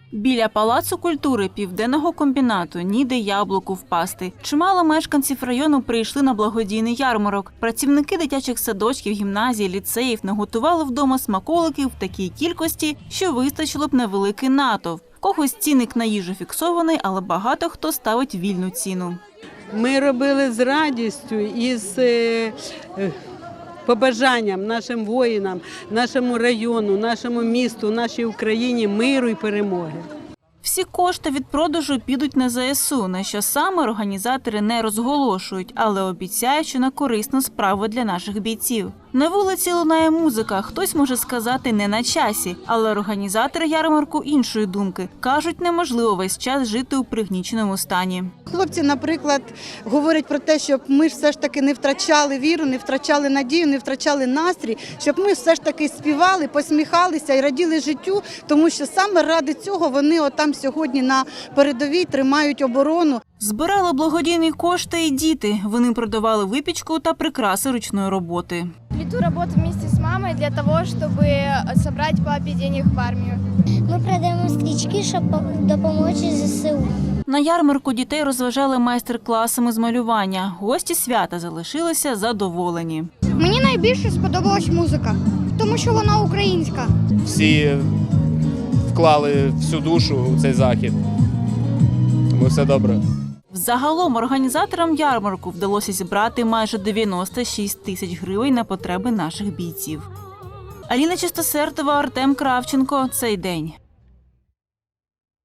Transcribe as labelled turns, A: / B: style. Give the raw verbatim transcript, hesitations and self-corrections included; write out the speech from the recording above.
A: Біля Палацу культури Південного комбінату ніде яблуку впасти. Чимало мешканців району прийшли на благодійний ярмарок. Працівники дитячих садочків, гімназій, ліцеїв наготували вдома смаколиків в такій кількості, що вистачило б на великий натовп. Когось цінник на їжу фіксований, але багато хто ставить вільну ціну.
B: Ми робили з радістю і з е, е, побажанням нашим воїнам, нашому району, нашому місту, нашій Україні миру і перемоги.
A: Всі кошти від продажу підуть на зе ес у, на що саме організатори не розголошують, але обіцяють, що на корисну справу для наших бійців. На вулиці лунає музика, хтось може сказати не на часі, але організатори ярмарку іншої думки. Кажуть, неможливо весь час жити у пригніченому стані.
C: Хлопці, наприклад, говорять про те, щоб ми ж все ж таки не втрачали віру, не втрачали надію, не втрачали настрій, щоб ми все ж таки співали, посміхалися і раділи життю, тому що саме ради цього вони отам сьогодні на передовій тримають оборону.
A: Збирали благодійні кошти і діти. Вони продавали випічку та прикраси ручної роботи.
D: Плету работу вместе с мамой для того, чтобы собрать папе денег в армию.
E: Ми продаємо стрічки, щоб допомогти зе ес у.
A: На ярмарку дітей розважали майстер-класами з малювання. Гості свята залишилися задоволені.
D: Мені найбільше сподобалась музика, тому що вона українська.
F: Всі вклали всю душу у цей захід. Тому все добре.
A: Загалом організаторам ярмарку вдалося зібрати майже дев'яносто шість тисяч гривень на потреби наших бійців. Аліна Чистосертова, Артем Кравченко. Цей день.